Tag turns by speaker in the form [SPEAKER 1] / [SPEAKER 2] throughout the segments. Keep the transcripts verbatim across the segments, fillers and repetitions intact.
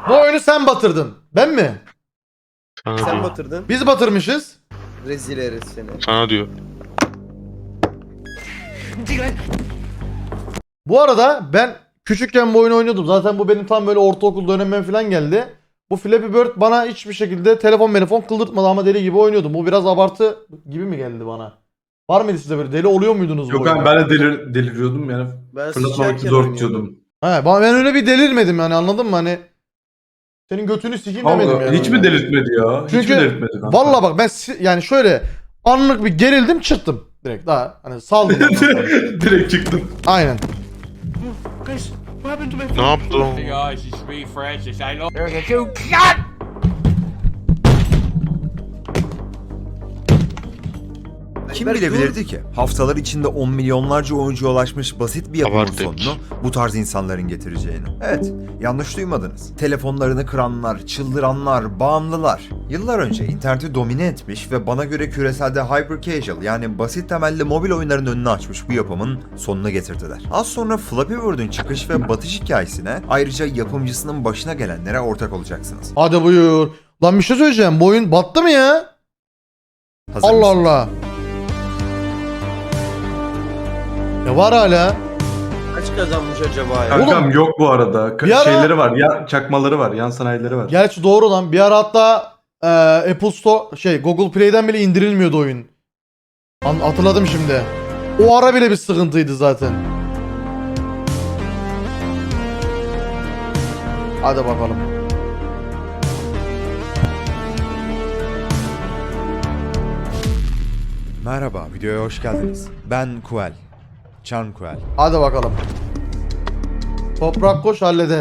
[SPEAKER 1] Bu oyunu sen batırdın. Ben mi?
[SPEAKER 2] Sana
[SPEAKER 3] Sen
[SPEAKER 2] diyor.
[SPEAKER 3] batırdın.
[SPEAKER 1] Biz batırmışız.
[SPEAKER 3] Rezil herif seni.
[SPEAKER 2] Sana diyor.
[SPEAKER 1] Bu arada ben küçükken bu oyunu oynuyordum. Zaten bu benim tam böyle ortaokul dönemime falan geldi. Bu Flappy Bird bana hiçbir şekilde telefon telefon kıldırtmadı ama deli gibi oynuyordum. Bu biraz abartı gibi mi geldi bana? Var mıydı size böyle? Deli oluyor muydunuz bu
[SPEAKER 4] Yok
[SPEAKER 1] oyunda?
[SPEAKER 4] abi ben de delir, deliriyordum yani.
[SPEAKER 3] Ben
[SPEAKER 4] Fırlatmamak
[SPEAKER 3] sıçarken
[SPEAKER 4] zor
[SPEAKER 3] oynuyordum.
[SPEAKER 4] tutuyordum.
[SPEAKER 1] He, ben ben öyle bir delirmedim yani, anladın mı? Hani senin götünü sikeyim demedim
[SPEAKER 4] Allah,
[SPEAKER 1] yani.
[SPEAKER 4] hiç mi delirtmedi ya? Hiç
[SPEAKER 1] Çünkü
[SPEAKER 4] mi delirtmedi kanka?
[SPEAKER 1] valla bak ben si- yani şöyle anlık bir gerildim, çıktım. Direkt daha hani saldım. ondan sonra.
[SPEAKER 4] Direkt çıktım.
[SPEAKER 1] Aynen.
[SPEAKER 2] Ne yaptın?
[SPEAKER 5] Guys, it's me, Francis. I love.
[SPEAKER 6] Kim
[SPEAKER 3] Berk,
[SPEAKER 6] bilebilirdi ki? Haftalar içinde on milyonlarca oyuncuya ulaşmış basit bir yapımın
[SPEAKER 2] Abartı
[SPEAKER 6] sonunu bu tarz insanların getireceğini. Evet, yanlış duymadınız. Telefonlarını kıranlar, çıldıranlar, bağımlılar. Yıllar önce interneti domine etmiş ve bana göre küreselde hyper casual yani basit temelli mobil oyunların önünü açmış bu yapımın sonunu getirdiler. Az sonra Flappy Bird'ün çıkış ve batış hikayesine ayrıca yapımcısının başına gelenlere ortak olacaksınız.
[SPEAKER 1] Hadi buyur. Lan bir şey söyleyeceğim. Bu oyun battı mı ya?
[SPEAKER 6] Hazır
[SPEAKER 1] Allah
[SPEAKER 6] mısınız?
[SPEAKER 1] Allah. Ya var hala.
[SPEAKER 3] Kaç kazanmış acaba ya?
[SPEAKER 4] Kankam
[SPEAKER 1] Oğlum,
[SPEAKER 4] yok bu arada. Ka-
[SPEAKER 1] bir ara-
[SPEAKER 4] Şeyleri var. Ya çakmaları var. Yan sanayileri var.
[SPEAKER 1] Gerçi doğru lan. Bir ara hatta e, Apple Store şey Google Play'den bile indirilmiyordu oyun. An- hatırladım şimdi. O ara bile bir sıkıntıydı zaten. Hadi bakalım.
[SPEAKER 6] Merhaba, videoya hoş geldiniz. Ben Kuel. Can Kuel.
[SPEAKER 1] Hadi bakalım. Toprak koş halleder.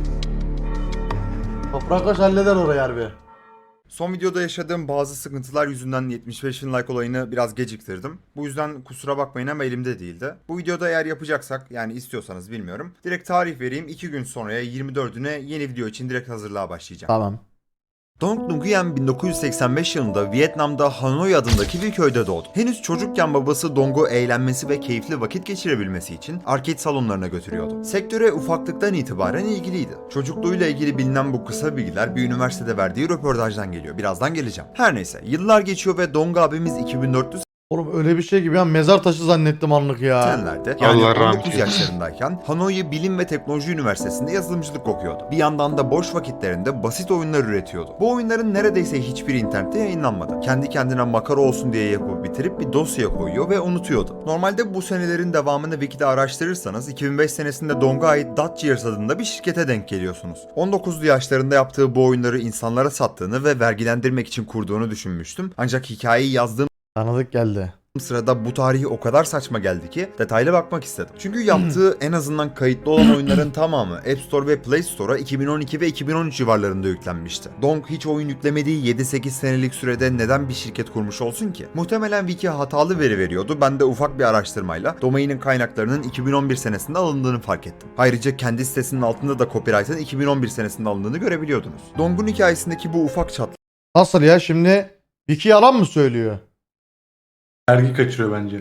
[SPEAKER 1] Toprak koş halleder orayı harbi.
[SPEAKER 6] Son videoda yaşadığım bazı sıkıntılar yüzünden yetmiş beş bin like olayını biraz geciktirdim. Bu yüzden kusura bakmayın ama elimde değildi. Bu videoda eğer yapacaksak, yani istiyorsanız bilmiyorum, direkt tarih vereyim. iki gün sonraya yirmi dördüne yeni video için direkt hazırlığa başlayacağım.
[SPEAKER 1] Tamam.
[SPEAKER 6] Dong Nguyen bin dokuz yüz seksen beş yılında Vietnam'da Hanoi adındaki bir köyde doğdu. Henüz çocukken babası Dong'u eğlenmesi ve keyifli vakit geçirebilmesi için arcade salonlarına götürüyordu. Sektöre ufaklıktan itibaren ilgiliydi. Çocukluğuyla ilgili bilinen bu kısa bilgiler bir üniversitede verdiği röportajdan geliyor. Birazdan geleceğim. Her neyse, yıllar geçiyor ve Dong abimiz iki bin dört yüz
[SPEAKER 1] Oğlum öyle bir şey gibi ya, mezar taşı zannettim anlık ya.
[SPEAKER 6] seksenlerde yani
[SPEAKER 2] Allah
[SPEAKER 6] on
[SPEAKER 2] rahmet
[SPEAKER 6] dokuz
[SPEAKER 2] eylesin.
[SPEAKER 6] yaşlarındayken Hanoi Bilim ve Teknoloji Üniversitesi'nde yazılımcılık okuyordu. Bir yandan da boş vakitlerinde basit oyunlar üretiyordu. Bu oyunların neredeyse hiçbiri internette yayınlanmadı. Kendi kendine makara olsun diye yapıp bitirip bir dosyaya koyuyor ve unutuyordu. Normalde bu senelerin devamını Wiki'de araştırırsanız iki bin beş senesinde Dong'a ait Dutch adında bir şirkete denk geliyorsunuz. on dokuzlu yaşlarında yaptığı bu oyunları insanlara sattığını ve vergilendirmek için kurduğunu düşünmüştüm. Ancak hikayeyi yazdığım
[SPEAKER 1] Tanıdık geldi.
[SPEAKER 6] sırada bu tarihi o kadar saçma geldi ki detaylı bakmak istedim. Çünkü yaptığı en azından kayıtlı olan oyunların tamamı App Store ve Play Store'a iki bin on iki ve iki bin on üç civarlarında yüklenmişti. Dong hiç oyun yüklemediği yedi sekiz senelik sürede neden bir şirket kurmuş olsun ki? Muhtemelen Wiki hatalı veri veriyordu. Ben de ufak bir araştırmayla domainin kaynaklarının iki bin on bir senesinde alındığını fark ettim. Ayrıca kendi sitesinin altında da copyright'ın iki bin on bir senesinde alındığını görebiliyordunuz. Dong'un hikayesindeki bu ufak çatlak
[SPEAKER 1] Nasıl ya şimdi? Vicky yalan mı söylüyor?
[SPEAKER 4] Vergi kaçırıyor bence.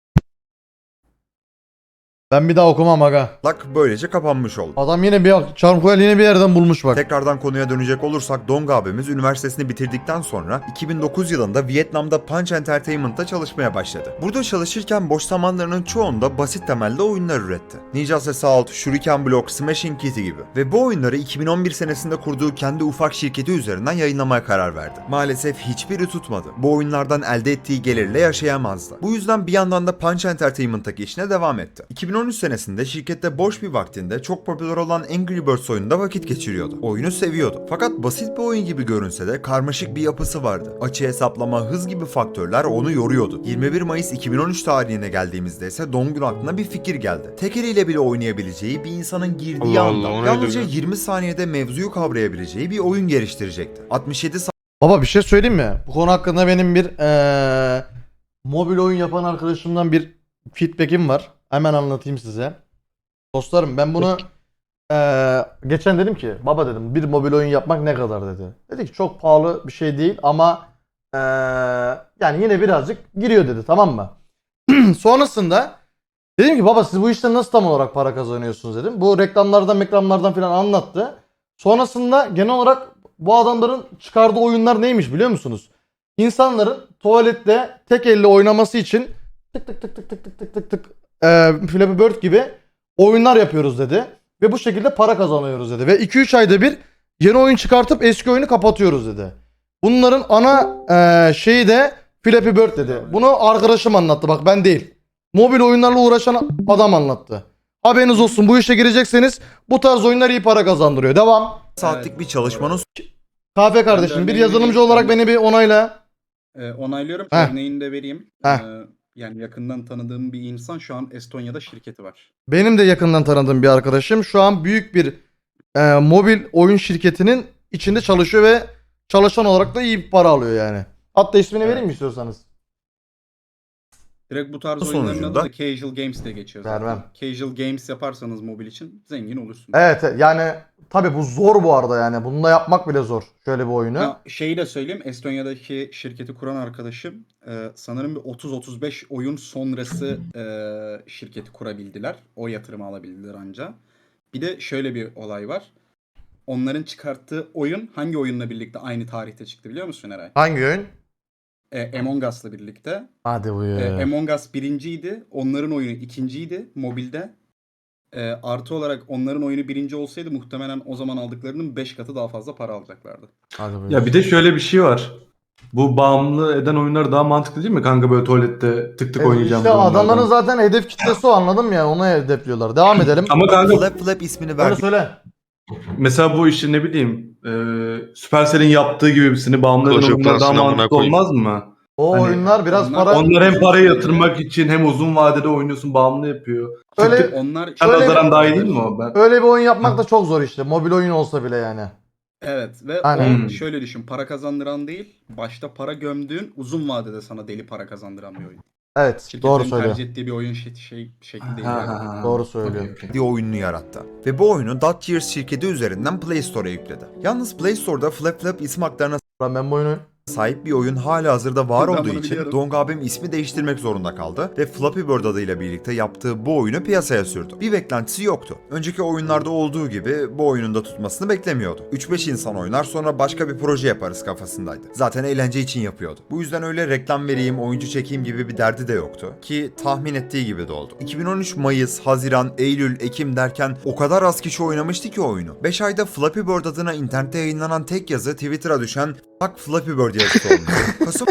[SPEAKER 1] Ben bir daha okumam aga.
[SPEAKER 6] böylece kapanmış oldu.
[SPEAKER 1] Adam yine bir Çarmıhel yine bir yerden bulmuş bak.
[SPEAKER 6] Tekrardan konuya dönecek olursak Dong abimiz üniversitesini bitirdikten sonra iki bin dokuz yılında Vietnam'da Punch Entertainment'ta çalışmaya başladı. Burada çalışırken boş zamanlarının çoğunda basit temelde oyunlar üretti. Ninja Assault, Shuriken Block, Smashing Kitty gibi. Ve bu oyunları iki bin on bir senesinde kurduğu kendi ufak şirketi üzerinden yayınlamaya karar verdi. Maalesef hiçbiri tutmadı. Bu oyunlardan elde ettiği gelirle yaşayamazdı. Bu yüzden bir yandan da Punch Entertainment'taki işine devam etti. iki bin on üç senesinde şirkette boş bir vaktinde çok popüler olan Angry Birds oyununda vakit geçiriyordu. Oyunu seviyordu. Fakat basit bir oyun gibi görünse de karmaşık bir yapısı vardı. Açı hesaplama, hız gibi faktörler onu yoruyordu. yirmi bir Mayıs iki bin on üç tarihine geldiğimizde ise Dong'un aklına bir fikir geldi. Tek eliyle bile oynayabileceği bir insanın girdiği
[SPEAKER 2] Allah
[SPEAKER 6] anda
[SPEAKER 2] Allah, o neydi
[SPEAKER 6] yalnızca
[SPEAKER 2] ya?
[SPEAKER 6] yirmi saniyede mevzuyu kavrayabileceği bir oyun geliştirecekti. altmış yedi
[SPEAKER 1] Baba bir şey söyleyeyim mi? Bu konu hakkında benim bir eee mobil oyun yapan arkadaşımdan bir feedback'im var. Hemen anlatayım size. Dostlarım ben bunu eee, geçen dedim ki baba dedim bir mobil oyun yapmak ne kadar dedi. Dedi ki çok pahalı bir şey değil ama eee, yani yine birazcık giriyor dedi, tamam mı? Sonrasında dedim ki baba siz bu işten nasıl tam olarak para kazanıyorsunuz dedim. Bu reklamlardan reklamlardan falan anlattı. Sonrasında genel olarak bu adamların çıkardığı oyunlar neymiş biliyor musunuz? İnsanların tuvalette tek elle oynaması için tık tık tık tık tık tık tık tık tık e, Flappy Bird gibi oyunlar yapıyoruz dedi. Ve bu şekilde para kazanıyoruz dedi. Ve iki üç ayda bir yeni oyun çıkartıp eski oyunu kapatıyoruz dedi. Bunların ana e, şeyi de Flappy Bird dedi. Bunu arkadaşım anlattı, bak ben değil. Mobil oyunlarla uğraşan adam anlattı. Haberiniz olsun, bu işe girecekseniz bu tarz oyunlar iyi para kazandırıyor. Devam.
[SPEAKER 6] saatlik bir çalışmanın
[SPEAKER 1] Kahve kardeşim, bir yazılımcı olarak beni bir onayla.
[SPEAKER 7] Ee, onaylıyorum.
[SPEAKER 1] Heh.
[SPEAKER 7] Örneğini de vereyim.
[SPEAKER 1] Heh.
[SPEAKER 7] Ee, yani yakından tanıdığım bir insan şu an Estonya'da şirketi var.
[SPEAKER 1] Benim de yakından tanıdığım bir arkadaşım şu an büyük bir e, mobil oyun şirketinin içinde çalışıyor ve çalışan olarak da iyi bir para alıyor yani. Hatta ismini
[SPEAKER 7] Evet.
[SPEAKER 1] vereyim mi istiyorsanız?
[SPEAKER 7] Direkt bu tarz
[SPEAKER 6] Bu
[SPEAKER 7] oyunların adı
[SPEAKER 6] sonucunda-
[SPEAKER 7] da Casual Games diye geçiyor zaten.
[SPEAKER 1] Vermem.
[SPEAKER 7] Casual Games yaparsanız mobil için zengin olursunuz.
[SPEAKER 1] Evet yani tabi bu zor bu arada yani. Bunu da yapmak bile zor. Şöyle bir oyunu.
[SPEAKER 7] Ha, şeyi de söyleyeyim. Estonya'daki şirketi kuran arkadaşım e, sanırım bir otuz otuz beş oyun sonrası e, şirketi kurabildiler. O yatırımı alabildiler anca. Bir de şöyle bir olay var. Onların çıkarttığı oyun hangi oyunla birlikte aynı tarihte çıktı biliyor musun Eray?
[SPEAKER 1] Hangi oyun?
[SPEAKER 7] E, Among Us'la birlikte.
[SPEAKER 1] Hadi buyur.
[SPEAKER 7] E, Among Us birinciydi. Onların oyunu ikinciydi mobilde. E, artı olarak onların oyunu birinci olsaydı muhtemelen o zaman aldıklarının beş katı daha fazla para alacaklardı.
[SPEAKER 1] Hadi buyur.
[SPEAKER 4] Ya bir de şöyle bir şey var. Bu bağımlı eden oyunlar daha mantıklı değil mi kanka, böyle tuvalette tık tık
[SPEAKER 1] E,
[SPEAKER 4] oynayacağım.
[SPEAKER 1] İşte
[SPEAKER 4] bu oyunlardan.
[SPEAKER 1] adamların zaten hedef kitlesi o, anladın mı yani? Onu hedefliyorlar. Devam edelim.
[SPEAKER 4] Ama kanka
[SPEAKER 6] Flap Flap ismini
[SPEAKER 1] Öyle
[SPEAKER 6] verdiği
[SPEAKER 1] söyle.
[SPEAKER 4] mesela bu işi ne bileyim e, Supercell'in yaptığı gibi birisini bağımlı eden
[SPEAKER 2] Clash of
[SPEAKER 4] oyunlar daha
[SPEAKER 2] Clans'ın amına
[SPEAKER 4] mantıklı
[SPEAKER 2] koyayım.
[SPEAKER 4] olmaz mı?
[SPEAKER 1] O
[SPEAKER 4] Hani
[SPEAKER 1] oyunlar biraz
[SPEAKER 7] onlar-
[SPEAKER 1] para...
[SPEAKER 4] Onlar hem parayı yatırmak için hem uzun vadede oynuyorsun, bağımlı yapıyor.
[SPEAKER 1] Öyle-
[SPEAKER 4] Tık tık
[SPEAKER 7] Onlar
[SPEAKER 4] sen
[SPEAKER 1] Şöyle
[SPEAKER 4] nazaran
[SPEAKER 1] bir-
[SPEAKER 4] daha iyi değil mi o? Ben...
[SPEAKER 1] Öyle bir oyun yapmak da çok zor işte. Mobil oyun olsa bile yani.
[SPEAKER 7] Evet ve
[SPEAKER 1] Aynen.
[SPEAKER 7] o şöyle düşün, para kazandıran değil, başta para gömdüğün, uzun vadede sana deli para kazandıran bir oyun.
[SPEAKER 1] Evet,
[SPEAKER 7] Şirketlerin
[SPEAKER 1] doğru söylüyor.
[SPEAKER 7] tercih ettiği bir oyun şey, şey şekli değil.
[SPEAKER 4] Ha,
[SPEAKER 7] yani.
[SPEAKER 4] ha, ha.
[SPEAKER 1] Doğru söylüyor.
[SPEAKER 4] Okey, okey.
[SPEAKER 6] oyununu yarattı. Ve bu oyunu Dot Years şirketi üzerinden Play Store'a yükledi. Yalnız Play Store'da Flap Flap isim haklarına
[SPEAKER 1] Ben, ben bu oyunu...
[SPEAKER 6] sahip bir oyun hala hazırda var
[SPEAKER 7] Ben
[SPEAKER 6] olduğu
[SPEAKER 7] bunu
[SPEAKER 6] için
[SPEAKER 7] biliyorum.
[SPEAKER 6] Dong abim ismi değiştirmek zorunda kaldı ve Flappy Bird adıyla birlikte yaptığı bu oyunu piyasaya sürdü. Bir beklentisi yoktu. Önceki oyunlarda olduğu gibi bu oyunun da tutmasını beklemiyordu. üç beş insan oynar sonra başka bir proje yaparız kafasındaydı. Zaten eğlence için yapıyordu. Bu yüzden öyle reklam vereyim, oyuncu çekeyim gibi bir derdi de yoktu. Ki tahmin ettiği gibi de oldu. iki bin on üç Mayıs, Haziran, Eylül, Ekim derken o kadar az kişi oynamıştı ki oyunu. beş ayda Flappy Bird adına internette yayınlanan tek yazı Twitter'a düşen "Fuck Flappy Bird" yazısı olmuş. Kasım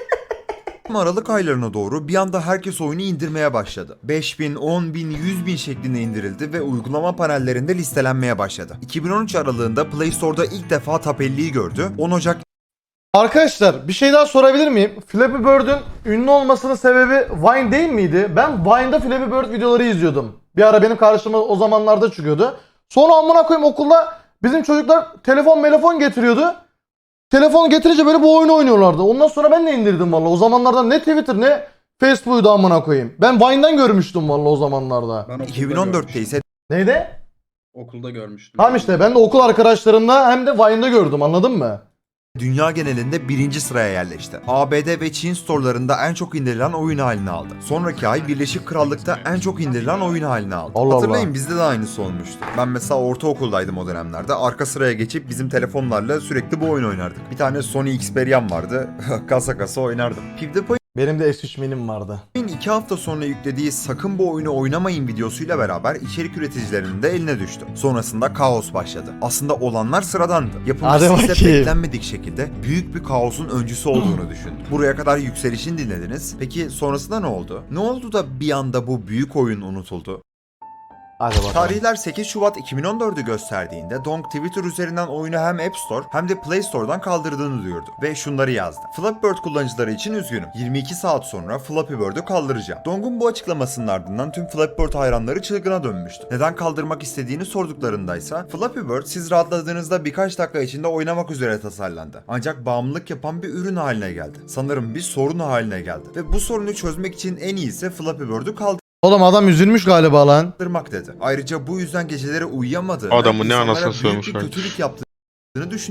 [SPEAKER 6] Aralık aylarına doğru bir anda herkes oyunu indirmeye başladı. beş bin, on bin, yüz bin şeklinde indirildi ve uygulama panellerinde listelenmeye başladı. iki bin on üç aralığında Play Store'da ilk defa Top elliyi gördü. on Ocak
[SPEAKER 1] Arkadaşlar bir şey daha sorabilir miyim? Flappy Bird'ün ünlü olmasının sebebi Vine değil miydi? Ben Vine'da Flappy Bird videoları izliyordum. Bir ara benim karşıma o zamanlarda çıkıyordu. Sonra amına koyayım okulda bizim çocuklar telefon telefon getiriyordu. Telefonu getirince böyle bu oyunu oynuyorlardı. Ondan sonra ben de indirdim valla. O zamanlarda ne Twitter ne Facebook'u amına koyayım. Ben Vine'dan görmüştüm valla o zamanlarda.
[SPEAKER 7] Ben okulda
[SPEAKER 6] iki bin on dörtte
[SPEAKER 7] görmüştüm.
[SPEAKER 6] ise
[SPEAKER 1] Neydi?
[SPEAKER 7] Okulda görmüştüm.
[SPEAKER 1] Tamam işte ben de okul arkadaşlarımla hem de Vine'da gördüm, anladın mı?
[SPEAKER 6] dünya genelinde birinci sıraya yerleşti. A B D ve Çin storelarında en çok indirilen oyun haline aldı. Sonraki ay Birleşik Krallık'ta en çok indirilen oyun haline aldı.
[SPEAKER 1] Allah
[SPEAKER 6] Hatırlayın
[SPEAKER 1] Allah.
[SPEAKER 6] bizde de aynısı olmuştu. Ben mesela ortaokuldaydım o dönemlerde. Arka sıraya geçip bizim telefonlarla sürekli bu oyun oynardık. Bir tane Sony Xperia'm vardı. kasa kasa oynardım. PewDiePie
[SPEAKER 1] Benim de S üç minim vardı.
[SPEAKER 6] iki hafta sonra yüklediği "sakın bu oyunu oynamayın" videosuyla beraber içerik üreticilerinin de eline düştü. Sonrasında kaos başladı. Aslında olanlar sıradandı. Yapımcısı
[SPEAKER 1] Hadi
[SPEAKER 6] ise
[SPEAKER 1] bakayım.
[SPEAKER 6] beklenmedik şekilde büyük bir kaosun öncüsü olduğunu düşündü. Buraya kadar yükselişin dinlediniz. Peki sonrasında ne oldu? Ne oldu da bir anda bu büyük oyun unutuldu?
[SPEAKER 1] Hadi bakalım.
[SPEAKER 6] Tarihler sekiz Şubat iki bin on dördü gösterdiğinde Dong Twitter üzerinden oyunu hem App Store hem de Play Store'dan kaldırdığını duyurdu ve şunları yazdı. Flappy Bird kullanıcıları için üzgünüm. yirmi iki saat sonra Flappy Bird'ü kaldıracağım. Dong'un bu açıklamasının ardından tüm Flappy Bird hayranları çılgına dönmüştü. Neden kaldırmak istediğini sorduklarındaysa Flappy Bird siz rahatladığınızda birkaç dakika içinde oynamak üzere tasarlandı. Ancak bağımlılık yapan bir ürün haline geldi. Sanırım bir sorun haline geldi. Ve bu sorunu çözmek için en iyisi Flappy Bird'ü kaldırmak.
[SPEAKER 1] Oğlum adam üzülmüş galiba lan.
[SPEAKER 6] dedi. Ayrıca bu yüzden geceleri uyuyamadığını,
[SPEAKER 2] Adamın ne
[SPEAKER 6] insanlara
[SPEAKER 2] anasını
[SPEAKER 6] büyük bir
[SPEAKER 2] sövmüş lan.
[SPEAKER 6] kötülük yaptığını düşündüğünü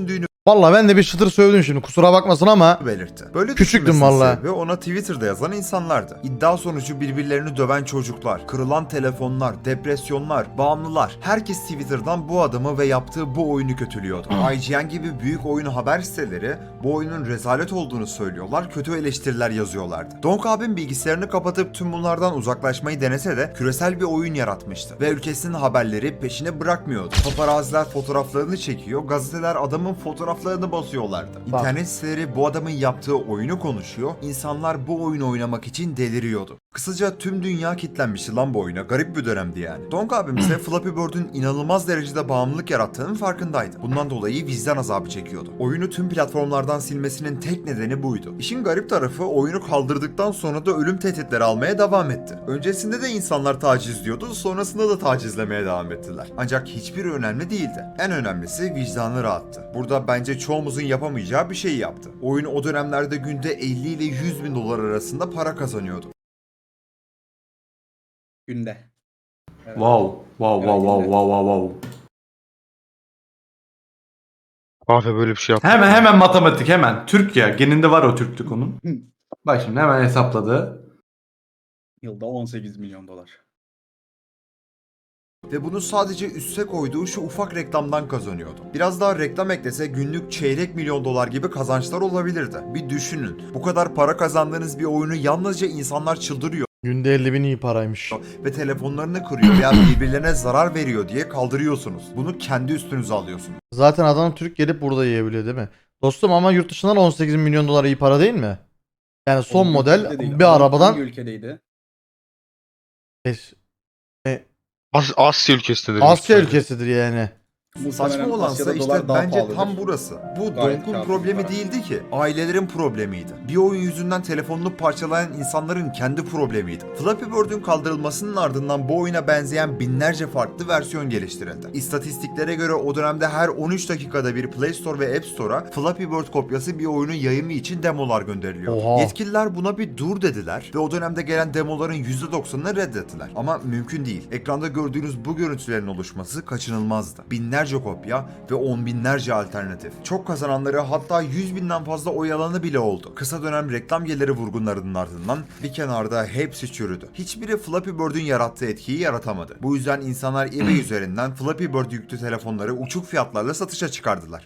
[SPEAKER 1] Vallahi ben de bir çıtır sövdüm şimdi kusura bakmasın ama
[SPEAKER 6] belirtti. Böyle
[SPEAKER 1] Küçüktüm
[SPEAKER 6] düşünmesinin
[SPEAKER 1] vallahi.
[SPEAKER 6] sebebi ona Twitter'da yazan insanlardı. İddia sonucu birbirlerini döven çocuklar, kırılan telefonlar, depresyonlar, bağımlılar. Herkes Twitter'dan bu adamı ve yaptığı bu oyunu kötülüyordu. I G N gibi büyük oyun haber siteleri bu oyunun rezalet olduğunu söylüyorlar, kötü eleştiriler yazıyorlardı. Donk abim bilgisayarını kapatıp tüm bunlardan uzaklaşmayı denese de küresel bir oyun yaratmıştı. Ve ülkesinin haberleri peşine bırakmıyordu. Paparaziler fotoğraflarını çekiyor, gazeteler adamın fotoğraflarını basıyorlardı.
[SPEAKER 1] Bak.
[SPEAKER 6] İnternet siteleri bu adamın yaptığı oyunu konuşuyor, insanlar bu oyunu oynamak için deliriyordu. Kısaca tüm dünya kitlenmişti lan bu oyuna, garip bir dönemdi yani. Donk abim ise Flappy Bird'ün inanılmaz derecede bağımlılık yarattığının farkındaydı. Bundan dolayı vicdan azabı çekiyordu. Oyunu tüm platformlardan silmesinin tek nedeni buydu. İşin garip tarafı oyunu kaldırdıktan sonra da ölüm tehditleri almaya devam etti. Öncesinde de insanlar taciz diyordu, sonrasında da tacizlemeye devam ettiler. Ancak hiçbiri önemli değildi. En önemlisi vicdanı rahattı. Burada bence çoğumuzun yapamayacağı bir şey yaptı. Oyun o dönemlerde günde elli ile yüz bin dolar arasında para kazanıyordu.
[SPEAKER 7] Günde. Evet.
[SPEAKER 4] Wow. Wow wow wow wow wow wow.
[SPEAKER 2] Kahve böyle bir şey yaptı.
[SPEAKER 4] Hemen hemen matematik hemen. Türk ya. Geninde var o Türklük onun. Bak şimdi hemen hesapladı.
[SPEAKER 7] Yılda on sekiz milyon dolar.
[SPEAKER 6] Ve bunu sadece üste koyduğu şu ufak reklamdan kazanıyordu. Biraz daha reklam eklese günlük çeyrek milyon dolar gibi kazançlar olabilirdi. Bir düşünün. Bu kadar para kazandığınız bir oyunu yalnızca insanlar çıldırıyor
[SPEAKER 1] günde elli bin iyi paraymış.
[SPEAKER 6] ve telefonlarını kırıyor veya birbirlerine zarar veriyor diye kaldırıyorsunuz. Bunu kendi üstünüze alıyorsunuz.
[SPEAKER 1] Zaten adam Türk gelip burada yiyebiliyor değil mi? Dostum ama yurt dışından on sekiz milyon dolar iyi para değil mi? Yani son
[SPEAKER 7] Hangi
[SPEAKER 1] model
[SPEAKER 7] ülkede değil?
[SPEAKER 1] bir
[SPEAKER 7] Hangi
[SPEAKER 1] arabadan
[SPEAKER 7] ülkedeydi?
[SPEAKER 1] Beş-
[SPEAKER 2] As Asya ülkesindedir.
[SPEAKER 1] Asya
[SPEAKER 2] muhtemelen.
[SPEAKER 1] ülkesidir yani.
[SPEAKER 6] Saçma
[SPEAKER 7] Muhtemelen
[SPEAKER 6] olansa
[SPEAKER 7] Asya'da
[SPEAKER 6] işte
[SPEAKER 7] dolar daha
[SPEAKER 6] bence
[SPEAKER 7] pahalıdır.
[SPEAKER 6] tam burası. Bu
[SPEAKER 7] Gayet
[SPEAKER 6] Donk'un
[SPEAKER 7] kârlı
[SPEAKER 6] problemi
[SPEAKER 7] para.
[SPEAKER 6] değildi ki. Ailelerin problemiydi. Bir oyun yüzünden telefonunu parçalayan insanların kendi problemiydi. Flappy Bird'ün kaldırılmasının ardından bu oyuna benzeyen binlerce farklı versiyon geliştirildi. İstatistiklere göre o dönemde her on üç dakikada bir Play Store ve App Store'a Flappy Bird kopyası bir oyunun yayımı için demolar gönderiliyor.
[SPEAKER 1] Oha.
[SPEAKER 6] Yetkililer buna bir dur dediler ve o dönemde gelen demoların yüzde doksanını reddettiler. Ama mümkün değil. Ekranda gördüğünüz bu görüntülerin oluşması kaçınılmazdı. Binlerce kopya ve on binlerce alternatif. Çok kazananları hatta yüz binden fazla oy alanı bile oldu. Kısa dönem reklam geliri vurgunlarının ardından bir kenarda hepsi çürüdü. Hiçbiri Flappy Bird'ün yarattığı etkiyi yaratamadı. Bu yüzden insanlar eBay üzerinden Flappy Bird yüklü telefonları uçuk fiyatlarla satışa çıkardılar.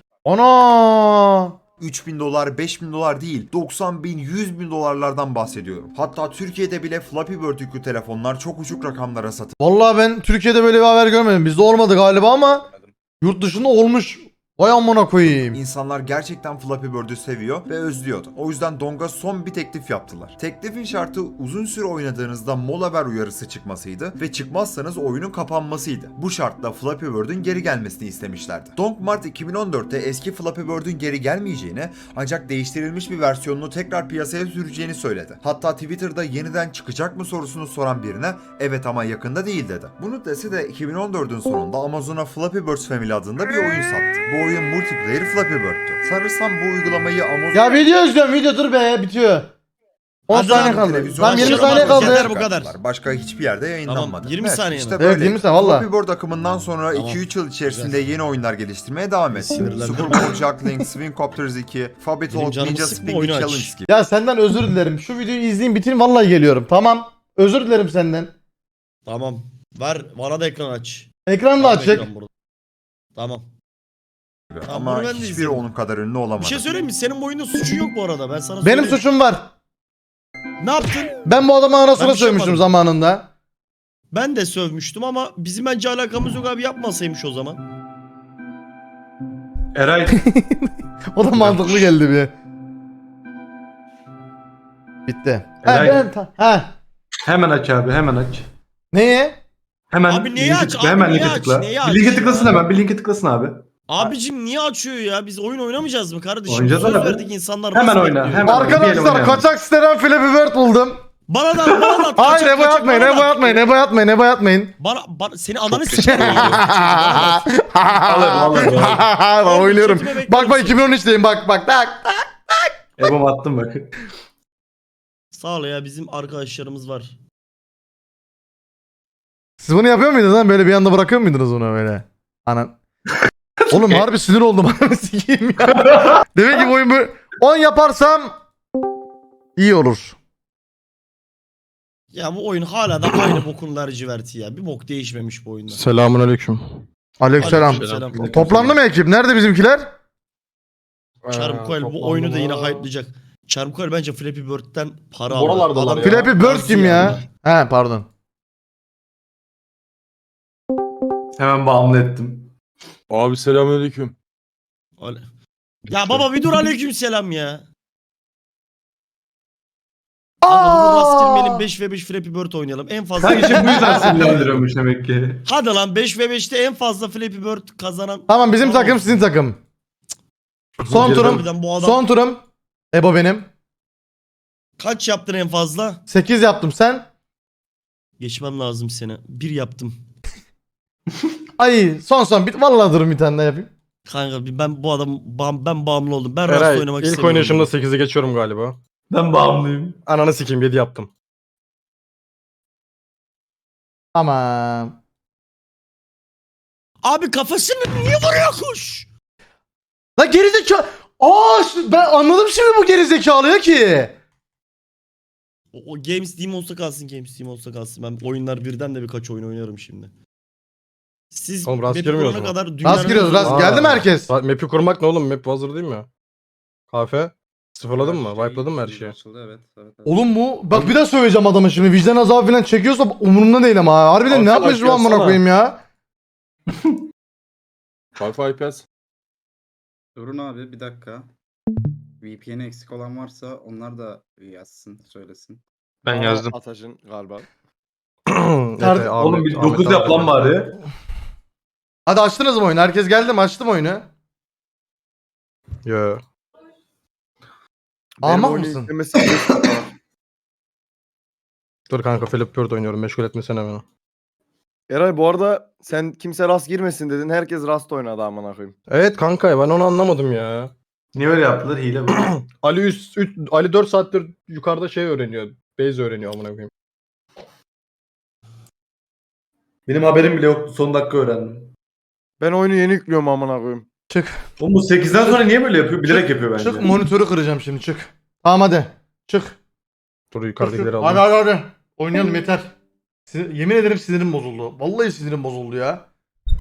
[SPEAKER 1] Ana!
[SPEAKER 6] üç bin dolar, beş bin dolar değil, doksan bin, yüz bin dolarlardan bahsediyorum. Hatta Türkiye'de bile Flappy Bird yüklü telefonlar çok uçuk rakamlara satıldı.
[SPEAKER 1] Vallahi ben Türkiye'de böyle bir haber görmedim. Bizde olmadı galiba ama yurt dışında olmuş. Vay amına koyayım.
[SPEAKER 6] İnsanlar gerçekten Flappy Bird'ü seviyor ve özlüyordu. O yüzden Dong'a son bir teklif yaptılar. Teklifin şartı uzun süre oynadığınızda mola ver uyarısı çıkmasıydı ve çıkmazsanız oyunun kapanmasıydı. Bu şartla Flappy Bird'ün geri gelmesini istemişlerdi. Dong Mart iki bin on dörtte eski Flappy Bird'ün geri gelmeyeceğini ancak değiştirilmiş bir versiyonunu tekrar piyasaya süreceğini söyledi. Hatta Twitter'da yeniden çıkacak mı sorusunu soran birine evet ama yakında değil dedi. Bunu dese de iki bin on dördün sonunda Amazon'a Flappy Birds Family adında bir oyun sattı. Bu oyun multiplayer Flappy Bird'tü. Sanırsam bu uygulamayı Amazon...
[SPEAKER 1] Ya video izliyorum video dur be bitiyor. on
[SPEAKER 8] Hadi
[SPEAKER 1] saniye
[SPEAKER 8] lan,
[SPEAKER 1] kaldı.
[SPEAKER 6] televizyona
[SPEAKER 1] Tam yirmi
[SPEAKER 8] çıkarma,
[SPEAKER 1] saniye
[SPEAKER 8] bu
[SPEAKER 1] kaldı.
[SPEAKER 8] kadar, bu kadar.
[SPEAKER 6] Başka hiçbir yerde yayınlanmadı.
[SPEAKER 8] Tamam, yirmi saniye mi?
[SPEAKER 6] İşte
[SPEAKER 1] Evet,
[SPEAKER 6] böyle.
[SPEAKER 1] yirmi saniye, valla.
[SPEAKER 6] Flappy Bird akımından sonra
[SPEAKER 8] Tamam.
[SPEAKER 6] iki üç yıl içerisinde
[SPEAKER 8] Güzel.
[SPEAKER 6] yeni oyunlar geliştirmeye devam etti.
[SPEAKER 8] Sinirlendim.
[SPEAKER 6] Super Bowl Juggling, Swing Copters iki, Fabby
[SPEAKER 8] Benim
[SPEAKER 6] Talk,
[SPEAKER 8] canımı
[SPEAKER 6] Ninja
[SPEAKER 8] sıkma,
[SPEAKER 6] Spinning
[SPEAKER 8] oyunu aç.
[SPEAKER 6] Challenge gibi.
[SPEAKER 1] Ya senden özür dilerim. Şu videoyu izleyeyim bitireyim vallahi geliyorum. Tamam. Özür dilerim senden.
[SPEAKER 8] Tamam. Ver bana da ekran aç.
[SPEAKER 1] Ekran da
[SPEAKER 8] Bana da
[SPEAKER 1] açık.
[SPEAKER 8] ekran burada. Tamam. Tamam,
[SPEAKER 6] Ama
[SPEAKER 8] bunu ben de
[SPEAKER 6] hiçbiri
[SPEAKER 8] izlerim.
[SPEAKER 6] onun kadar ünlü olamadı.
[SPEAKER 8] Bir şey söyleyeyim mi? Senin bu oyunda suçun yok bu arada. Ben sana
[SPEAKER 1] Benim
[SPEAKER 8] söyleyeyim.
[SPEAKER 1] suçum var.
[SPEAKER 8] Ne yaptın?
[SPEAKER 1] Ben bu adamı anasına
[SPEAKER 8] Ben bir şey
[SPEAKER 1] sövmüştüm
[SPEAKER 8] yapmadım.
[SPEAKER 1] zamanında.
[SPEAKER 8] Ben de sövmüştüm ama bizim bence alakamız yok abi, yapmasaymış o zaman.
[SPEAKER 4] Eray
[SPEAKER 1] O da mantıklı geldi bir. Bitti. Ha
[SPEAKER 4] Eray-
[SPEAKER 1] ben ta- ha.
[SPEAKER 4] hemen aç abi hemen aç.
[SPEAKER 1] Neye?
[SPEAKER 4] Hemen
[SPEAKER 8] Abi neyi
[SPEAKER 4] linke
[SPEAKER 8] aç?
[SPEAKER 4] tıkla,
[SPEAKER 8] Abi
[SPEAKER 4] hemen
[SPEAKER 8] neyi
[SPEAKER 4] linke
[SPEAKER 8] aç?
[SPEAKER 4] tıkla.
[SPEAKER 8] Neyi
[SPEAKER 4] Bir
[SPEAKER 8] aç
[SPEAKER 4] linke
[SPEAKER 8] ya?
[SPEAKER 4] tıklasın hemen bir linke tıklasın abi.
[SPEAKER 8] Abicim niye açıyor ya? Biz oyun oynamayacağız mı kardeşim?
[SPEAKER 4] Oynayacağız
[SPEAKER 8] Söz
[SPEAKER 4] abi.
[SPEAKER 8] verdik, insanlar
[SPEAKER 4] Hemen
[SPEAKER 8] nasıl
[SPEAKER 4] oyna,
[SPEAKER 8] bekliyor?
[SPEAKER 4] hemen. Bir yere
[SPEAKER 1] Arkadaşlar
[SPEAKER 4] oynayalım.
[SPEAKER 1] kaçak siteden Flappy Bird buldum.
[SPEAKER 8] Bana da bana da.
[SPEAKER 1] Hayır
[SPEAKER 8] kaçak-
[SPEAKER 1] Ebo
[SPEAKER 8] kaçak
[SPEAKER 1] atmayın
[SPEAKER 8] bana da.
[SPEAKER 1] Ebo atmayın Ebo atmayın Ebo atmayın.
[SPEAKER 8] Bana, bana seni ananı sikeyim. Bana da.
[SPEAKER 4] Alırım alırım.
[SPEAKER 1] Ben oynuyorum.
[SPEAKER 8] Chatime bekler
[SPEAKER 1] Bak bak
[SPEAKER 8] misin?
[SPEAKER 1] iki bin on üçteyim bak bak bak.
[SPEAKER 4] Ebom attım bak.
[SPEAKER 8] Sağ ol ya, bizim arkadaşlarımız var.
[SPEAKER 1] Siz bunu yapıyor muydunuz lan? Böyle bir anda bırakıyor muydunuz bunu böyle? Anan. Oğlum harbi sinir oldum. Sikeyim ya. Demek ki bu oyun böyle- on yaparsam iyi olur.
[SPEAKER 8] Ya bu oyun hala da aynı bokun laciverti ya. Bir bok değişmemiş bu oyunda.
[SPEAKER 9] Selamun aleyküm.
[SPEAKER 1] Aleykümselam.
[SPEAKER 8] Aleykümselam.
[SPEAKER 1] Toplandı mı ekip? Nerede bizimkiler?
[SPEAKER 8] Çarmıkoel bu oyunu da yine hype'layacak. Çarmıkoel bence Flappy Bird'den para aldı.
[SPEAKER 9] Buralardalar
[SPEAKER 8] Adam-
[SPEAKER 9] ya.
[SPEAKER 1] Flappy Bird
[SPEAKER 8] Nasıl
[SPEAKER 1] kim ya?
[SPEAKER 8] yani?
[SPEAKER 1] He pardon.
[SPEAKER 4] Hemen bağımlı ettim.
[SPEAKER 9] Abi selamun aleyküm.
[SPEAKER 8] Ale- Ya baba bir dur aleykümselam ya. Kanka rast girmeyelim beş ve beş Flappy Bird oynayalım. En fazla...
[SPEAKER 4] Sanki işte bu yüzden sinirlendiriyormuş demek ki.
[SPEAKER 8] Hadi lan beş ve beşte en fazla Flappy Bird kazanan...
[SPEAKER 1] Tamam bizim
[SPEAKER 8] Tamam.
[SPEAKER 1] takım sizin takım. Son turum.
[SPEAKER 8] Harbiden bu adam
[SPEAKER 1] Son turum. Ebo benim.
[SPEAKER 8] kaç yaptın en fazla?
[SPEAKER 1] sekiz yaptım sen.
[SPEAKER 8] Geçmem lazım seni. Bir yaptım.
[SPEAKER 1] Ay son son bit vallahi durum bir tane daha yapayım.
[SPEAKER 8] Kanka bir- ben bu adam bağım- ben bağımlı oldum. Ben rast
[SPEAKER 9] Eray
[SPEAKER 8] oynamak
[SPEAKER 9] ilk
[SPEAKER 8] istemiyorum.
[SPEAKER 9] oynayışımda sekizi geçiyorum galiba.
[SPEAKER 4] Ben bağımlıyım.
[SPEAKER 9] Ananı sikeyim yedi yaptım.
[SPEAKER 1] Tamam.
[SPEAKER 8] Abi kafasını niye vuruyor kuş?
[SPEAKER 1] La gerizekalı. Aa şu- ben anladım şimdi bu gerizekalıya ki.
[SPEAKER 8] O, o Games Team olsa kalsın, Games Team olsa kalsın. Ben oyunlar birden de birkaç oyun oynarım şimdi. Siz
[SPEAKER 9] Oğlum rast
[SPEAKER 8] map'i
[SPEAKER 9] girmiyoruz
[SPEAKER 8] kurana
[SPEAKER 9] mu?
[SPEAKER 8] kadar dünyanın
[SPEAKER 1] Rast giriyoruz rast.
[SPEAKER 9] Aa.
[SPEAKER 1] Geldi mi herkes?
[SPEAKER 9] Sa- Map'i kurmak ne oğlum? Map hazır değil mi? Kafe. Sıfırladın mı? Wipe'ladın mı her şeyi?
[SPEAKER 7] Açıldı, evet, evet, evet.
[SPEAKER 1] Oğlum bu bak bir daha söyleyeceğim adama şimdi vicdan azabı falan çekiyorsa umurumda değil ama ha. Harbiden ne
[SPEAKER 9] Alsana,
[SPEAKER 1] yapmış bu amına
[SPEAKER 9] yazsana.
[SPEAKER 1] koyayım ya?
[SPEAKER 9] Wi-Fi I P S.
[SPEAKER 7] Durun abi bir dakika. V P N'i eksik olan varsa onlar da yazsın, söylesin.
[SPEAKER 2] Ben yazdım.
[SPEAKER 10] Atajın galiba.
[SPEAKER 9] Efe,
[SPEAKER 4] Oğlum bir
[SPEAKER 9] Ahmet,
[SPEAKER 4] dokuz
[SPEAKER 9] Ahmet
[SPEAKER 4] yap lan
[SPEAKER 9] abi.
[SPEAKER 4] bari.
[SPEAKER 1] Hadi açtınız mı oyunu? Herkes geldi mi? Açtım oyunu.
[SPEAKER 9] Yo.
[SPEAKER 1] Ahmak
[SPEAKER 10] oyunu
[SPEAKER 1] mısın?
[SPEAKER 10] yüklemesi beş dakika var.
[SPEAKER 9] Dur kanka Philip Bird oynuyorum. Meşgul etmesene beni.
[SPEAKER 10] Eray bu arada sen kimse rast girmesin dedin. Herkes rast oynadı amına koyayım.
[SPEAKER 9] Evet kanka ben onu anlamadım ya.
[SPEAKER 4] Niye öyle yaptılar? Hile bu.
[SPEAKER 9] Ali üst, üst Ali dört saattir yukarıda şey öğreniyor. Base öğreniyor amına koyayım.
[SPEAKER 4] Benim haberim bile yoktu. Son dakika öğrendim.
[SPEAKER 10] Ben oyunu yeni yüklüyorum amına koyayım.
[SPEAKER 1] Çık.
[SPEAKER 4] Oğlum bu sekizden sonra niye böyle yapıyor? Bilerek yapıyor bence.
[SPEAKER 1] Çık monitörü kıracağım şimdi çık. Tamam hadi. Çık.
[SPEAKER 9] Dur yukarıdakileri
[SPEAKER 1] Hadi
[SPEAKER 9] aldım.
[SPEAKER 1] hadi hadi. Oynayalım yeter. Sinir- yemin ederim sinirim bozuldu. Vallahi sinirim bozuldu ya.